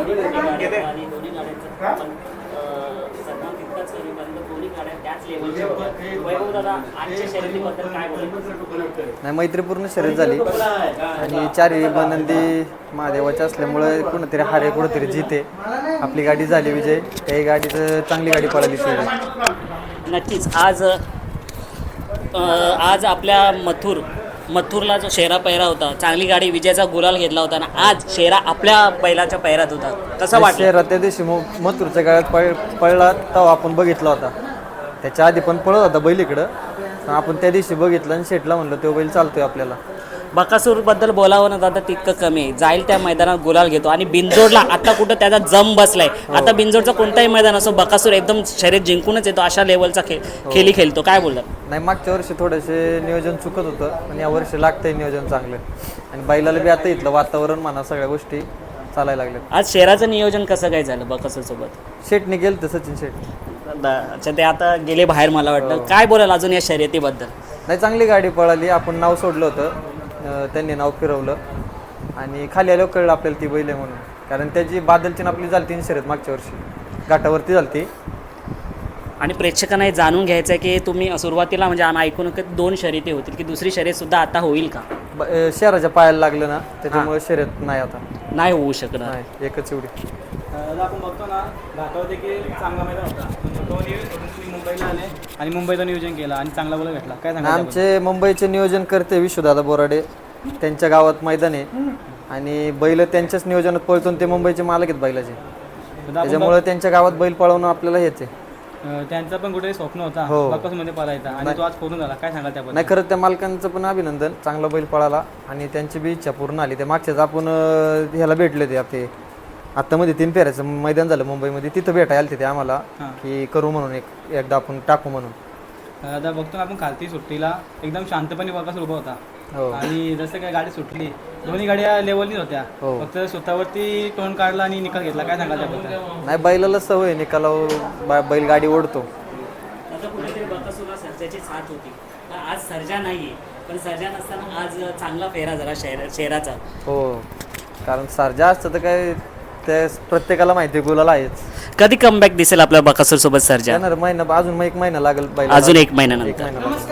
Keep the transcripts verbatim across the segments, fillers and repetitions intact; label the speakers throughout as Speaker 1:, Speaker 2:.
Speaker 1: गाडी आणि दोन्ही गाड्यांचं पण सन्मान तितकाच करेपर्यंत दोन्ही गाड्या त्याच लेवलच्या होत्या. वैभव दादा, आजच्या शर्यतीबद्दल काय बोलायचं?
Speaker 2: नाही, मैत्रीपूर्ण शर्यत झाली आणि चारही बनंदी महादेवाच्या असल्यामुळे कुणीतरी हारे कुणीतरी जिते. आपली गाडी झाली विजय. त्याही गाडीचं चांगली गाडी पळाली शर्यत.
Speaker 1: नक्कीच आज आज आपल्या मथुर मथुरला जो शेरा पैरा होता, चांगली गाडी विजयाचा गुलाल घेतला होता ना, आज शेरा आपल्या बैलाच्या पैरात होता. कसं वाटलं?
Speaker 2: शेरा त्या दिवशी मग मथुरच्या गाड्यात पळ पळला तेव्हा आपण बघितला होता. त्याच्या आधी पण पळत होता बैल इकडं, पण आपण त्या दिवशी बघितलं आणि शेटला म्हणलं तो बैल चालतोय आपल्याला.
Speaker 1: बकासूरबद्दल बोलावं ना दादा तितकं कमी आहे. जाईल त्या मैदानात गुलाल घेतो आणि बिनजोडला आता कुठं त्याचा जम बसलाय. आता बिनजोडचं कोणताही मैदान असो, बकासूर एकदम शर्यत जिंकूनच येतो, अशा लेवलचा खेळ खेळी खेळतो. काय बोलतात?
Speaker 2: नाही, मागच्या वर्षी थोडेसे नियोजन चुकत होतं, पण या वर्षी लागतंय नियोजन चांगलं. आणि बैलाला बी आता इथलं वातावरण म्हणा सगळ्या गोष्टी चालायला लागल्यात.
Speaker 1: आज शेराचं नियोजन कसं काय झालं बकासूरसोबत?
Speaker 2: शेटने गेलं तर सचिन शेट.
Speaker 1: अच्छा, ते आता गेले बाहेर मला वाटतं. काय बोलाल अजून या शर्यतीबद्दल?
Speaker 2: नाही, चांगली गाडी पळाली. आपण नाव सोडलं होतं, त्यांनी नाव फिरवलं आणि खाली आल्यावर कळलं आपल्याला ती बैल आहे म्हणून. कारण त्याची बादलची आपली झाली तीन शर्यत मागच्या वर्षी घाटावरती झाली.
Speaker 1: आणि प्रेक्षकांना हे जाणून घ्यायचं आहे की तुम्ही सुरुवातीला म्हणजे आम्ही ऐकून की दोन शर्यती होतील, की दुसरी शर्यत सुद्धा आता होईल का?
Speaker 2: शहराच्या पायाला लागलं ना, त्याच्यामुळे शर्यत नाही, आता
Speaker 1: नाही होऊ शकणार.
Speaker 2: नाही, एकच एवढी.
Speaker 3: आपण बघतो ना, घाटावर देखील चांगला मैदान होता. तुम्ही मुंबईला आले आणि मुंबईचं नियोजन केलं आणि चांगला बोला भेटला. काय सांगा?
Speaker 2: आमचे मुंबईचे नियोजन करते विश्वदादा बोराडे. त्यांच्या गावात मैदान आहे आणि बैल त्यांच्याच नियोजनात पळतो. ते मुंबईचे मालक आहेत बैलाचे, त्याच्यामुळे त्यांच्या गावात बैल पळवणं आपल्याला हेच आहे.
Speaker 3: त्यांचं पण कुठेही स्वप्न होता बकासूरमध्ये पळायचा आणि तो आज पूर्ण झाला. काय सांगाल त्याबद्दल?
Speaker 2: नाही, खरं त्या मालकांचं पण अभिनंदन. चांगला बैल पळाला आणि त्यांची बी इच्छा पूर्ण आली. ते मागच्याच आपण ह्याला भेटले ते आपले आता मध्ये तीन फेऱ्याचं मैदान झालं मुंबईमध्ये, तिथं भेटायला आले ते आम्हाला की करू म्हणून, एक एकदा आपण टाकू म्हणून.
Speaker 3: आता बघतो ना आपण खालती सुट्टीला एकदम शांतपणे बकासूर उभा होता आणि जसं काय गाडी सुटली, दोन्ही गाड्या लेवलनीच होत्या. फक्त स्वतःवरती तोंड काढला आणि निकाल घेतला. काय सांगाल त्याबद्दल?
Speaker 2: नाही, बैलाला सवय निकाला, बैल गाडी ओढतो.
Speaker 1: आता कुठेतरी बकासूरला सर्जाची साथ होती, आज सर्जा नाहीये, पण सर्जा नसताना आज चांगला फेरा झाला शेर शेराचा.
Speaker 2: हो, कारण सर्जा असतं तर काय ते प्रत्येकाला माहिती आहे गुलाल आहेच.
Speaker 1: कधी कमबॅक दिसेल आपल्या बकासूर सोबत सर्जा?
Speaker 2: येणार महिना, अजून एक महिना लागेल बैल,
Speaker 1: अजून एक महिन्यानंतर.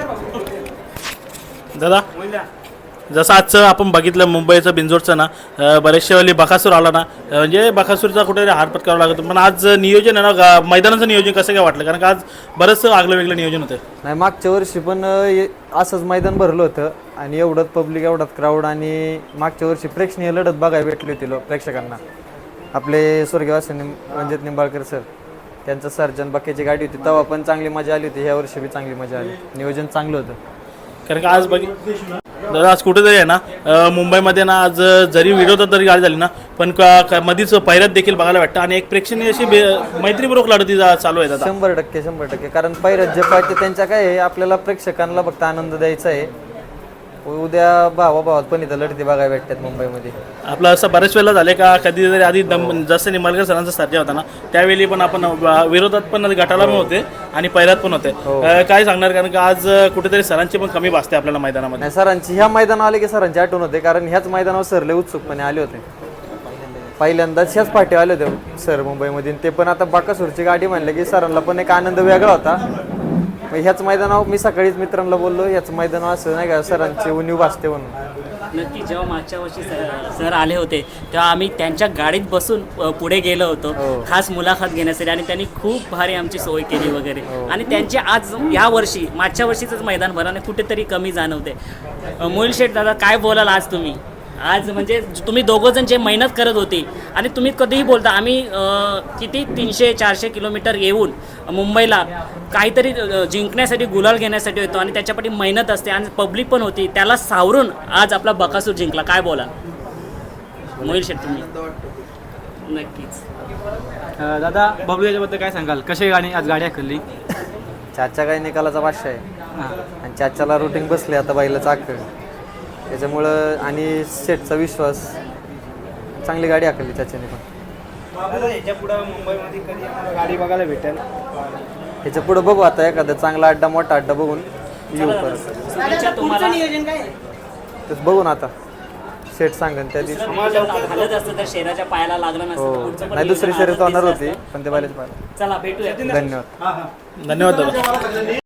Speaker 4: दादा, जसं आजचं आपण बघितलं मुंबईचं बिंजोडचं ना, बरेचशे वेळी बकासूर आला ना, म्हणजे बकासूरचा कुठेतरी हार पत्करावं लागतो. पण आज नियोजन आहे ना, मैदानाचं नियोजन कसं काय वाटलं? कारण का आज बरंचसं आगलं वेगळं नियोजन होतं.
Speaker 2: नाही, मागच्या वर्षी पण असंच मैदान भरलं होतं आणि एवढंच पब्लिक, एवढाच क्राऊड आणि मागच्या वर्षी प्रेक्षणीय लढत बघायला भेटली होती लोक प्रेक्षकांना. आपले स्वर्गवासी रणजित निंबाळकर सर, त्यांचं सर्जन बक्याची गाडी होती तेव्हा पण चांगली मजा आली होती. ह्या वर्षी बी चांगली मजा आली, नियोजन चांगलं होतं.
Speaker 4: कारण का आज बघ दादा, आज कुठेतरी आहे ना मुंबईमध्ये ना, आज जरी विरोधात जरी गाडी झाली ना, पण मधीच पैऱ्यात देखील बघायला भेटतं आणि एक प्रेक्षणीय अशी मैत्रीपूर्वक लढती चालू आहे दादा.
Speaker 2: शंभर टक्के शंभर टक्के कारण पैऱ्यात जे पाहिजे त्यांच्या काय आहे, आपल्याला प्रेक्षकांना फक्त आनंद द्यायचा आहे. उद्या भावा भावात पण इथं लढती बघायला भेटतात मुंबईमध्ये.
Speaker 4: आपलं असं बऱ्याच वेळेला झालं का, कधीतरी आधी दम जसं निंबाळकर सरांचा सर्जा होता ना, त्यावेळी पण आपण विरोधात पण गटाला पण होते आणि पैरात पण होते. काय सांगणार? कारण का आज कुठेतरी सरांची पण कमी भासते आपल्याला मैदानामध्ये.
Speaker 2: नाही, सरांची ह्या मैदानावर आले की सरांची आठवण होते, कारण ह्याच मैदानावर सर लय उत्सुकपणे आले होते. पहिल्यांदाच ह्याच पाठी आले होते सर मुंबईमध्ये. ते पण आता बकासूरची गाडी म्हणलं की सरांना पण एक आनंद वेगळा होता. ह्याच मैदानावर मी सकाळीच मित्रांना बोललो, ह्याच मैदानावर असं नाही का सरांची उणीव भासते म्हणून.
Speaker 1: नक्की जेव्हा मागच्या वर्षी सर सर आले होते तेव्हा आम्ही त्यांच्या गाडीत बसून पुढे गेलो होतो खास मुलाखत घेण्यासाठी आणि त्यांनी खूप भारी आमची सोय केली वगैरे. आणि त्यांचे आज या वर्षी मागच्या वर्षीचंच मैदान भराने कुठेतरी कमी जाणवते. मोहिल शेठ दादा, काय बोलाल आज तुम्ही? आज म्हणजे तुम्ही दोघं जण जे मेहनत करत होती आणि तुम्ही कधीही बोलता आम्ही किती तीनशे चारशे किलोमीटर येऊन मुंबईला काहीतरी जिंकण्यासाठी, गुलाल घेण्यासाठी येतो आणि त्याच्यापाठी मेहनत असते आणि पब्लिक पण होती, त्याला सावरून आज आपला बकासूर जिंकला. काय बोला मोहिल शेठ तुम्ही? नक्कीच
Speaker 3: दादा, बबलू याच्याबद्दल काय सांगाल? कशी गाडी आज गाडी आखली?
Speaker 2: चाचा काही निकालाचा भाषा आहे आणि चाच्याला रुटीन बसले आता बैलाचं आखळ, त्याच्यामुळं आणि सेटचा विश्वास, चांगली गाडी आखली चाच्याने पण.
Speaker 3: याच्या पुढे मुंबईमध्ये कधी आम्हाला गाडी बघायला भेटेल?
Speaker 2: ह्याच्या पुढे बघू आता एखादा चांगला अड्डा, मोठा अड्डा बघून येऊ परत.
Speaker 1: तुम्हाला
Speaker 2: तर बघू ना आता, शेट सांगन त्या दिवशी.
Speaker 1: दुसरं नियोजन झालंच असतं तर शेराच्या पायाला लागलं नसतं
Speaker 2: हो
Speaker 1: तर पुढचं पण
Speaker 2: नाही दुसरी
Speaker 1: नियोजन
Speaker 2: शर्यत
Speaker 1: आजच
Speaker 2: होणार
Speaker 1: दिसलं
Speaker 2: होती
Speaker 1: असतं.
Speaker 2: पण ते बैलाच्या पायाला.
Speaker 1: चला भेटूया
Speaker 2: धन्यवाद.
Speaker 4: धन्यवाद दादा.